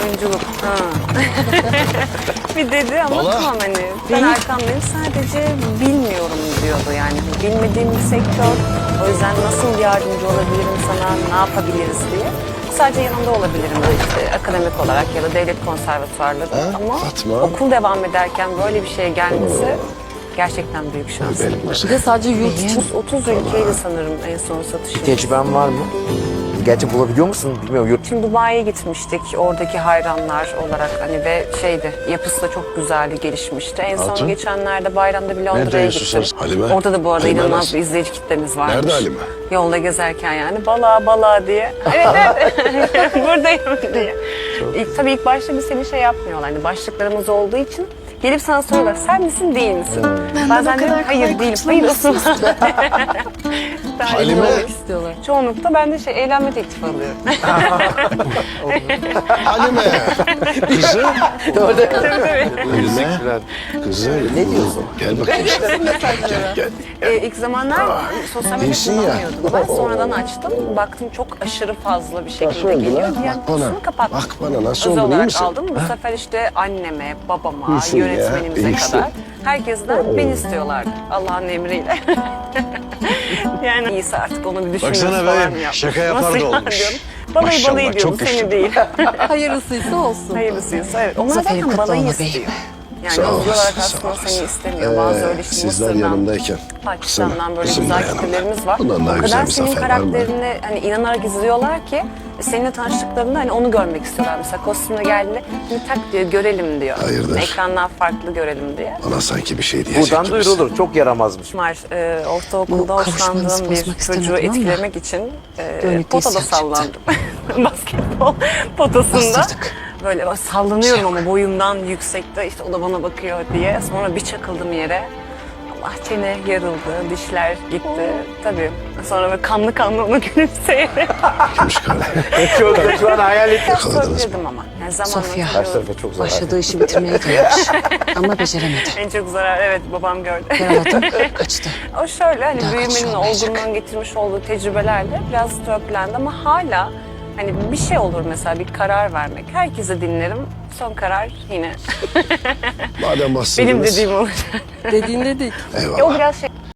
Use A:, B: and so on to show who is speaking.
A: Oyunculuk. Ha. Bir dedi ama
B: Valla.
A: tamam hani ben arkandayım sadece bilmiyorum diyordu yani. Bilmediğim bir sektör. O yüzden nasıl yardımcı olabilirim sana, ne yapabiliriz diye. Sadece yanında olabilirim de işte akademik olarak ya da devlet konservatuvarları.
B: Ha,
A: Ama
B: Fatma.
A: okul devam ederken böyle bir şeye gelmesi gerçekten büyük şans.
C: Bir de sadece yurt için
A: 30 ülkeydi sanırım en son satışım.
D: Tecrüben var mı? Gerçi bulabiliyor musun bilmiyorum. Yurt
A: Şimdi Dubai'ye gitmiştik oradaki hayranlar olarak hani ve şeydi yapısı da çok güzeldi, gelişmişti. En son
B: Hatun.
A: geçenlerde bayramda bir Londra'ya
B: Nerede
A: gittim.
B: susarız? Halime.
A: Orada da bu arada
B: Halime
A: inanılmaz
B: nasıl?
A: bir izleyici kitlemiz varmış.
B: Nerede Halime?
A: Yolda gezerken yani bala diye. Evet evet buradayım diye. Tabii ilk başta bir seni şey yapmıyorlar. Hani başlıklarımız olduğu için gelip sana soruyorlar sen misin değil misin? Bazen diyorum hayır değilim. Hayır ısın.
B: Halime.
C: istiyorlar.
A: Çoğunlukla ben de eğlenme teklifi alıyorum.
B: Halime. Kızım.
D: Teşekkürler.
B: Kızım.
D: Ne diyorsun?
B: Gel bakayım. Gel.
A: İlk zamanlar sosyal medya
B: değilsin ya.
A: kullanmıyordum. Ben sonradan açtım. Baktım çok aşırı fazla bir şekilde
B: oldu
A: geliyor.
B: lan?
A: Yani
B: Bak bana.
A: kutusunu kapattım.
B: Bak bana, nasıl
A: Özel
B: oldu, iyi
A: olarak
B: misin?
A: aldım. Bu sefer işte anneme, babama,
B: İyisin ya,
A: yönetmenimize
B: iyisin.
A: kadar herkesten beni istiyorlardı. Allah'ın emriyle. Yani iyisi artık onu bir düşünüyoruz
E: Baksana
A: falan
E: beyim,
A: yapmış.
E: şaka yapar
A: Nasıl
E: da
A: ya
E: olmuş.
A: diyorum. Balayı
B: Maşallah,
A: balayı diyorum,
B: çok
A: seni
B: güçlü.
A: değil.
C: Hayırlısıysa olsun.
A: Hayırlısıysa evet. Onlar
C: Zaferin
A: zaten
C: kutlu
A: balayı
C: ola
A: istiyor.
C: beyim.
A: Yani
B: Sağ
A: özel
B: olasın,
A: olarak
B: sağ
A: aslında
B: olasın.
A: seni istemiyor. Bazı öyle işte
B: Sizler
A: Mısır'dan,
B: yanımdayken.
A: Pakistan'dan böyle
B: kızım da
A: güzel
B: yanımda.
A: kitlelerimiz var.
B: Bundan daha
A: O
B: güzel
A: kadar
B: bir
A: senin
B: zafer var mı?
A: karakterini hani inanarak izliyorlar ki seninle tanıştıklarında hani onu görmek istiyorlar. Mesela kostümle geldiğinde bir tak diyor görelim diyor.
B: Hayırdır?
A: Ekrandan farklı görelim diye.
B: Bana sanki bir şey diyecek
D: Buradan
B: gibisin.
D: duyurulur. Çok yaramazmış.
A: Var ortaokulda
C: Bu kavuşmanızı
A: hoşlandığım bir
C: bozmak istemem,
A: çocuğu
C: tamam mı?
A: etkilemek için
C: Böyle
A: potada
C: tesisat çıktı.
A: sallandım. Basketbol potasında.
C: Bastırdık.
A: Böyle sallanıyorum ama boyumdan yüksekte işte o da bana bakıyor diye. Sonra bir çakıldım yere. Allah çene yarıldı, dişler gitti. Tabii sonra böyle kanlı onu gülümseyerek
B: Kimmiş kardeşim?
D: Çok şu an hayal ettim.
B: Yakaladınız mı?
A: söyledim ama. Yani zamanla
C: Sofya.
D: Karşı tarafa çok zarar.
C: Başladığı işi bitirmeye gelmiş. Ama beceremedi.
A: en çok zarar evet babam gördü.
C: Yaraladım, kaçtı.
A: O şöyle hani
C: Daha
A: büyümenin
C: kaçış olmayacak.
A: olgunluğun getirmiş olduğu tecrübelerle biraz törpülendi ama hala hani bir şey olur mesela bir karar vermek. Herkese dinlerim. Son karar yine
B: Madem bastırdınız.
A: benim dediğim olacak.
C: Dediğin dedik.
B: Eyvallah.
A: O biraz şey